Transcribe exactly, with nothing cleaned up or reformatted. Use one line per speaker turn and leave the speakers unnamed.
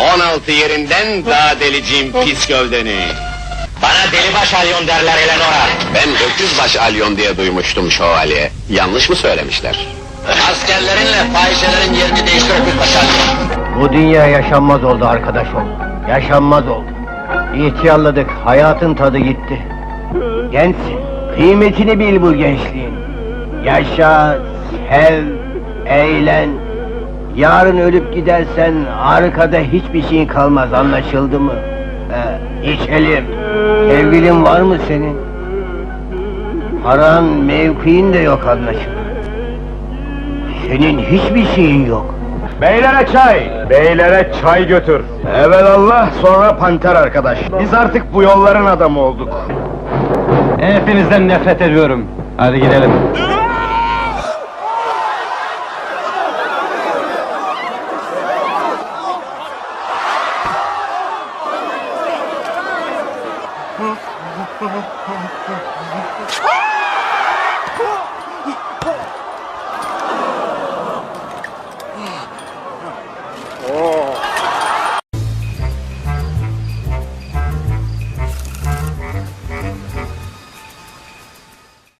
on altı yerinden daha deleceğim pis gövdeni.
Bana delibaş alyon derler Eleanora.
Ben öküzbaş alyon diye duymuştum şövalye. Yanlış mı söylemişler?
Askerlerinle fahişelerin yerini değiştir öküzbaş alyon.
Bu dünya yaşanmaz oldu arkadaş ol. Yaşanmaz oldu. İhtiyarladık, hayatın tadı gitti. Gençsin, kıymetini bil bu gençliğin. Yaşa, sev, eğlen. Yarın ölüp gidersen arkada hiçbir şeyin kalmaz, anlaşıldı mı? He, içelim. Sevgilin var mı senin? Paran, mevkiin de yok anlaşılan. Senin hiçbir şeyin yok.
Beylere çay! Beylere çay götür! Evelallah, sonra panter arkadaş. Biz artık bu yolların adamı olduk.
Hepinizden nefret ediyorum. Hadi gidelim.